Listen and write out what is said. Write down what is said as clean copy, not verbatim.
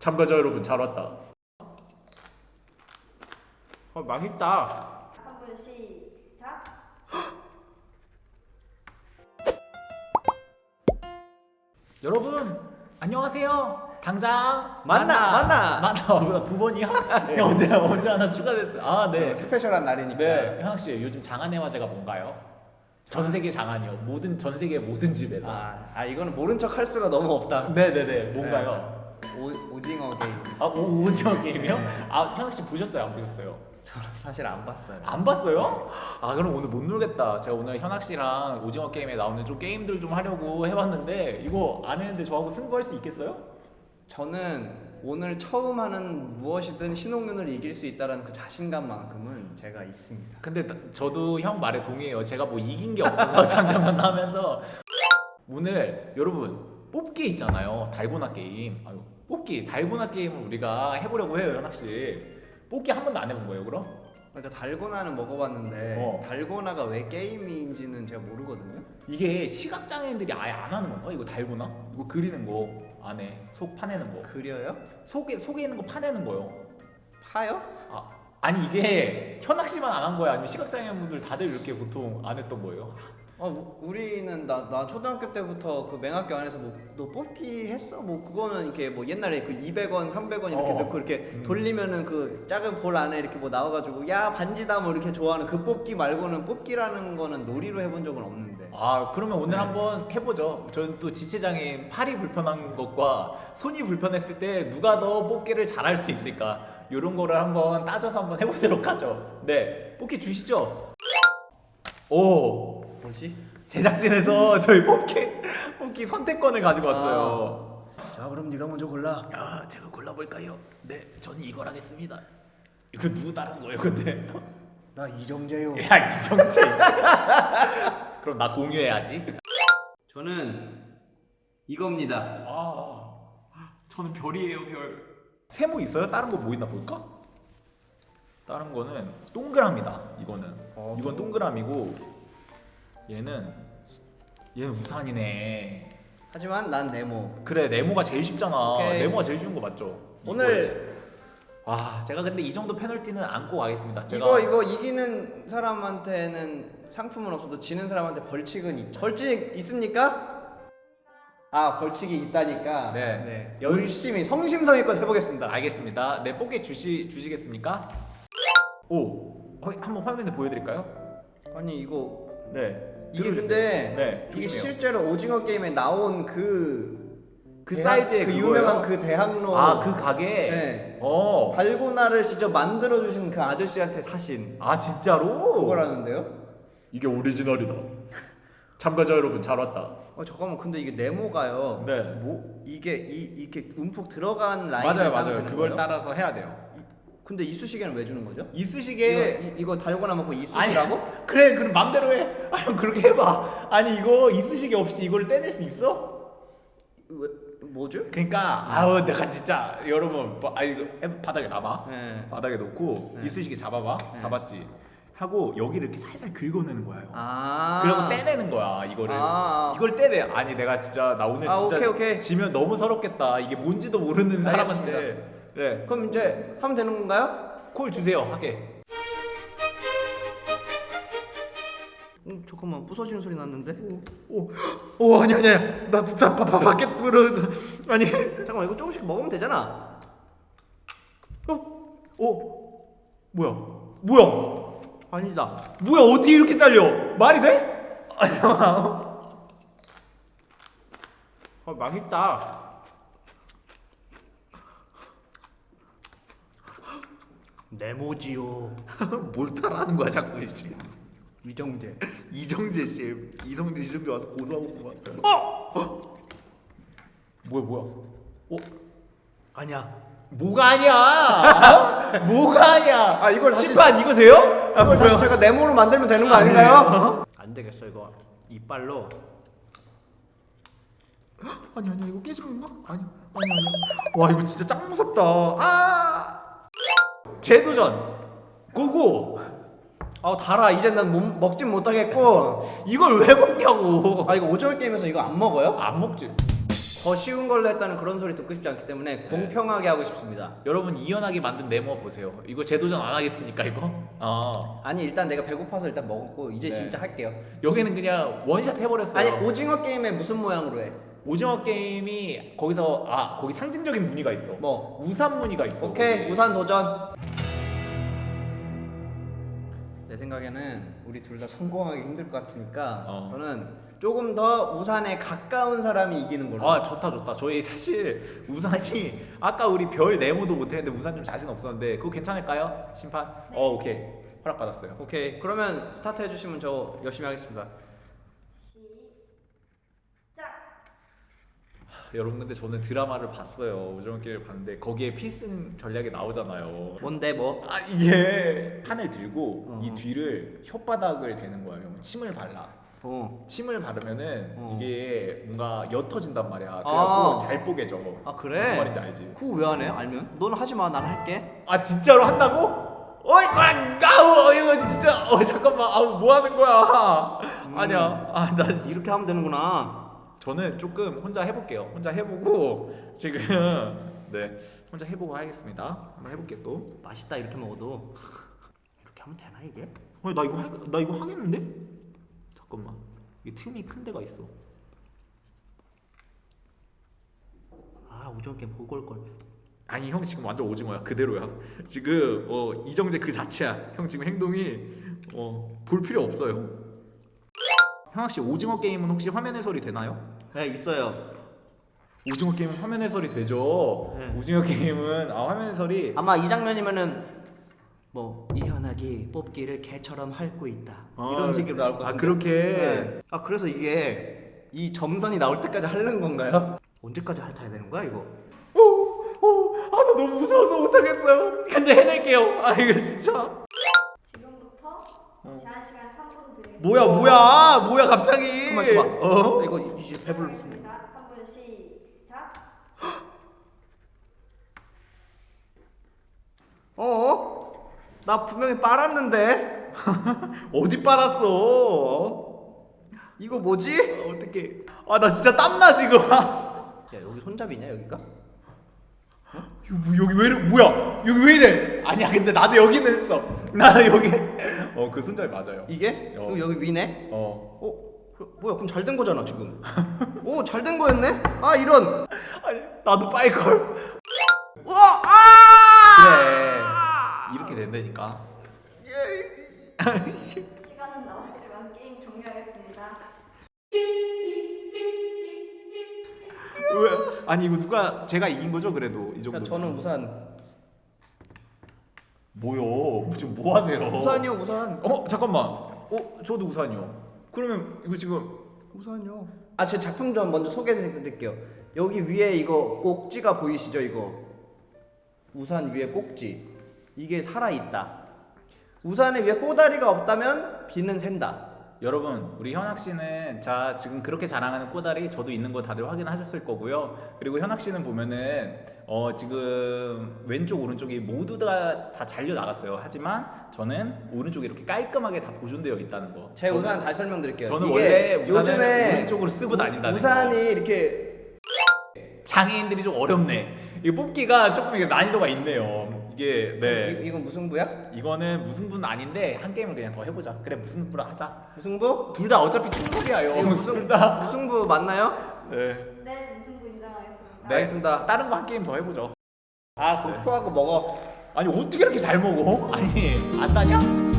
참가자 여러분 잘 왔다. 맛있다. 3분 시작. 여러분 안녕하세요. 당장 만나. 두 번이야? 언제 하나 추가됐어. 아 네. 스페셜한 날이니까. 네, 현학 씨 요즘 장안의 화제가 뭔가요? 전 세계 장안이요. 전 세계 모든 집에서. 이거는 모른 척 할 수가 너무 없다. 네네네. 뭔가요? 오징어 게임. 오징어 게임이요? 현학 씨 보셨어요? 안 보셨어요? 저는 사실 안 봤어요. 안 봤어요? 그럼 오늘 못 놀겠다. 제가 오늘 현학 씨랑 오징어 게임에 나오는 좀 게임들 좀 하려고 해봤는데 이거 안 했는데 저하고 승부할 수 있겠어요? 저는 오늘 처음 하는 무엇이든 신홍윤을 이길 수 있다라는 그 자신감만큼은 제가 있습니다. 근데 저도 형 말에 동의해요. 제가 뭐 이긴 게 없어서 당장만 하면서 오늘 여러분 뽑기 있잖아요. 달고나 게임. 뽑기 달고나 게임을 우리가 해보려고 해요, 현학 씨. 뽑기 한 번도 안 해본 거예요, 그럼? 그러니까 달고나는 먹어봤는데 달고나가 왜 게임인지는 제가 모르거든요. 이게 시각장애인들이 아예 안 하는 건가? 이거 달고나? 이거 그리는 거 안에 속 파내는 거. 그려요? 속에 있는 거 파내는 거요. 파요? 아니 이게 현학 씨만 안 한 거야? 아니면 시각장애인분들 다들 이렇게 보통 안 했던 거예요? 우리는 나 초등학교 때부터 그 맹학교 안에서 너 뽑기 했어? 그거는 이렇게 옛날에 그 200원, 300원 이렇게 넣고 이렇게 돌리면은 그 작은 볼 안에 이렇게 나와가지고 야 반지다 이렇게 좋아하는 그 뽑기 말고는 뽑기라는 거는 놀이로 해본 적은 없는데. 그러면 오늘 한번 해보죠. 저는 또 지체장애인 팔이 불편한 것과 손이 불편했을 때 누가 더 뽑기를 잘할 수 있을까? 이런 거를 한번 따져서 한번 해보도록 하죠. 네, 뽑기 주시죠. 오. 뭐지? 제작진에서 저희 뽑기 선택권을 가지고 왔어요. 자 그럼 네가 먼저 골라. 제가 골라볼까요? 네, 저는 이걸 하겠습니다. 이거 누구 따른 거예요, 근데? 나 이정재요. 야, 이정재. 그럼 나 공유해야지. 저는 이겁니다. 저는 별이에요, 별. 세모 있어요? 다른 거 뭐 있나 볼까? 다른 거는 동그라미다. 이거는 이건 동그라미고 얘는 우산이네. 하지만 난 네모. 그래, 네모가 제일 쉽잖아. 오케이. 네모가 제일 쉬운 거 맞죠? 오늘 제가 근데 이 정도 페널티는 안고 가겠습니다. 이거 이기는 사람한테는 상품은 없어도 지는 사람한테 벌칙은 있죠. 벌칙 있습니까? 벌칙이 있다니까. 네. 열심히 성심성의껏 해보겠습니다. 알겠습니다. 네, 뽑기 주시겠습니까? 한번 화면에 보여드릴까요? 아니 이거 네. 이게 들어주세요. 근데 네, 이게 조심해요. 실제로 오징어 게임에 나온 그 사이즈의 그 그거예요? 유명한 그 대학로 그 가게. 네. 어. 달고나를 직접 만들어 주신 그 아저씨한테 사신 진짜로? 그거라는데요? 이게 오리지널이다. 참가자 여러분 잘 왔다. 잠깐만 근데 이게 네모가요. 네. 이게 이렇게 움푹 들어간 라인을 맞아요. 따면 되는 그걸 거예요? 따라서 해야 돼요. 근데 이쑤시개는 왜 주는 거죠? 이쑤시개. 이거 달고나 먹고 이쑤시라고? 그래, 그럼 맘대로 해. 그렇게 해봐. 아니 이거 이쑤시개 없이 이걸 떼낼 수 있어? 왜 뭐죠? 그러니까 내가 진짜 여러분 이거 바닥에 놔봐. 네. 바닥에 놓고 네. 이쑤시개 잡아봐. 네. 잡았지. 하고 여기를 이렇게 살살 긁어내는 거예요. 아. 그리고 떼내는 거야 이거를. 이걸 떼내. 아니 내가 진짜 나 오늘 진짜 오케이. 지면 너무 서럽겠다. 이게 뭔지도 모르는 사람한테. 알겠습니다. 네. 그럼 이제 하면 되는 건가요? 콜 주세요. 하게. 잠깐만 부서지는 소리 났는데? 아니야. 나 진짜 밖에 들어. 아니. 잠깐만 이거 조금씩 먹으면 되잖아. 뭐야? 아니다. 뭐야? 어떻게 이렇게 잘려? 말이 돼? 맛있다. 네모지요. 뭘 따라하는 거야 자꾸 이제. 이정재. 이정재 와서 고소하고 뭐야? 아니야. 뭐가 아니야? 뭐가 아니야? 이걸 다시 심판 이거 돼요? 이걸 다시 제가 네모로 만들면 되는 거 아닌가요? 안 되겠어 이거 이빨로. 아니야 이거 깨진 건가? 아니야. 와 이거 진짜 짱 무섭다. 재도전 고고. 달아. 이제 난 먹진 못하겠고. 이걸 왜 먹냐고. 이거 오징어 게임에서 이거 안 먹어요? 안 먹지. 더 쉬운 걸로 했다는 그런 소리 듣고 싶지 않기 때문에 공평하게 하고 싶습니다. 여러분 이연하게 만든 네모 보세요. 이거 재도전 안 하겠습니까 이거? 아니 일단 내가 배고파서 일단 먹었고 이제 네. 진짜 할게요. 여기는 그냥 원샷 해버렸어요. 아니 오징어 게임에 무슨 모양으로 해? 오징어 게임이 거기서 거기 상징적인 무늬가 있어. 뭐? 우산 무늬가 있어. 오케이 거기. 우산 도전. 내 생각에는 우리 둘 다 성공하기 힘들 것 같으니까 저는 조금 더 우산에 가까운 사람이 이기는 걸로. 좋다. 저희 사실 우산이 아까 우리 별 네모도 못했는데 우산 좀 자신 없었는데 그거 괜찮을까요? 심판? 네. 오케이 허락 받았어요. 오케이 그러면 스타트 해주시면 저 열심히 하겠습니다. 시작. 여러분 근데 저는 드라마를 봤어요. 오징어 게임을 봤는데 거기에 필승 전략이 나오잖아요. 뭔데 뭐? 이게 판을 들고 이 뒤를 혓바닥을 대는 거예요. 침을 발라. 침을 바르면은 이게 뭔가 옅어진단 말이야. 그래갖고 잘 뽀개져. 아 그래? 무슨 말인지 알지? 그거 왜 안 해? 알면? 너는 하지 마. 난 할게. 진짜로 한다고? 어이 가우 이거 진짜 잠깐만 뭐 하는 거야? 아니야. 나 이렇게 하면 되는구나. 저는 조금 혼자 해볼게요. 혼자 해보고 지금 네 혼자 해보고 하겠습니다. 한번 해볼게 또. 맛있다 이렇게 먹어도. 이렇게 하면 되나 이게? 나 이거 하겠는데? 잠깐만 이게 틈이 큰 데가 있어. 오징어 게임 보고 올 걸. 아니 형 지금 완전 오징어야. 그대로야. 지금 이정재 그 자체야. 형 지금 행동이 볼 필요 없어요. 형아 씨 오징어 게임은 혹시 화면 해설이 되나요? 네 있어요. 오징어 게임은 화면 해설이 되죠. 네. 오징어 게임은 화면 해설이 아마 이 장면이면은 뭐 이현학이 뽑기를 개처럼 핥고 있다 이런 식으로 나올 것 같은데. 그렇게. 네. 그래서 이게 이 점선이 나올 때까지 핥는 건가요? 언제까지 핥아야 되는 거야 이거? 나 너무 무서워서 못하겠어요. 근데 해낼게요. 이거 진짜. 지금부터 제한 시간 3분 드리겠습니다. 뭐야 갑자기. 가만 있어봐. 이거 이제 배불러. 3분 시작. 나 분명히 빨았는데. 어디 빨았어? 이거 뭐지? 어떻게? 나 진짜 땀나 지금. 야 여기 손잡이냐 여기가? 여기 왜 이래? 뭐야? 여기 왜 이래? 아니야 근데 나도 여기는 했어. 나 여기. 그 손잡이 맞아요. 이게? 그럼 여기 위네? 뭐야 그럼 잘 된 거잖아 지금. 잘 된 거였네? 이런. 아니 나도 빨 걸. 우와! 그래. 이렇게 된다니까. 시간은 남았지만 게임 종료하겠습니다. 왜? 아니 이거 제가 이긴 거죠 그래도 이 정도. 저는 우산. 뭐요? 지금 뭐 하세요? 우산이요 우산. 잠깐만. 저도 우산이요. 그러면 이거 지금 우산이요. 제 작품 좀 먼저 소개해드릴게요. 여기 위에 이거 꼭지가 보이시죠 이거? 우산 위에 꼭지. 이게 살아있다. 우산에 위에 꼬다리가 없다면 비는 샌다. 여러분 우리 현학 씨는 지금 그렇게 자랑하는 꼬다리 저도 있는 거 다들 확인하셨을 거고요. 그리고 현학 씨는 보면은 지금 왼쪽 오른쪽이 모두 다 잘려 나갔어요. 하지만 저는 오른쪽이 이렇게 깔끔하게 다 보존되어 있다는 거. 제 우산 다시 설명드릴게요. 저는 이게 원래 우산을 요즘에 오른쪽으로 쓰고 다닌다는 우산이 거. 이렇게 장애인들이 좀 어렵네. 이 뽑기가 조금 이게 난이도가 있네요. 이게 네. 이건 무승부야? 이거는 무승부는 아닌데 한 게임을 그냥 더 해보자. 그래 무승부로 하자. 무승부? 둘 다 어차피 충분이에요. 이거 둘 다. 무승부 맞나요? 네. 네, 무승부 인정하겠습니다. 네. 알겠습니다. 다른 거 한 게임 더 해보죠. 도표하고 먹어. 아니 어떻게 이렇게 잘 먹어? 아니 안 따냐?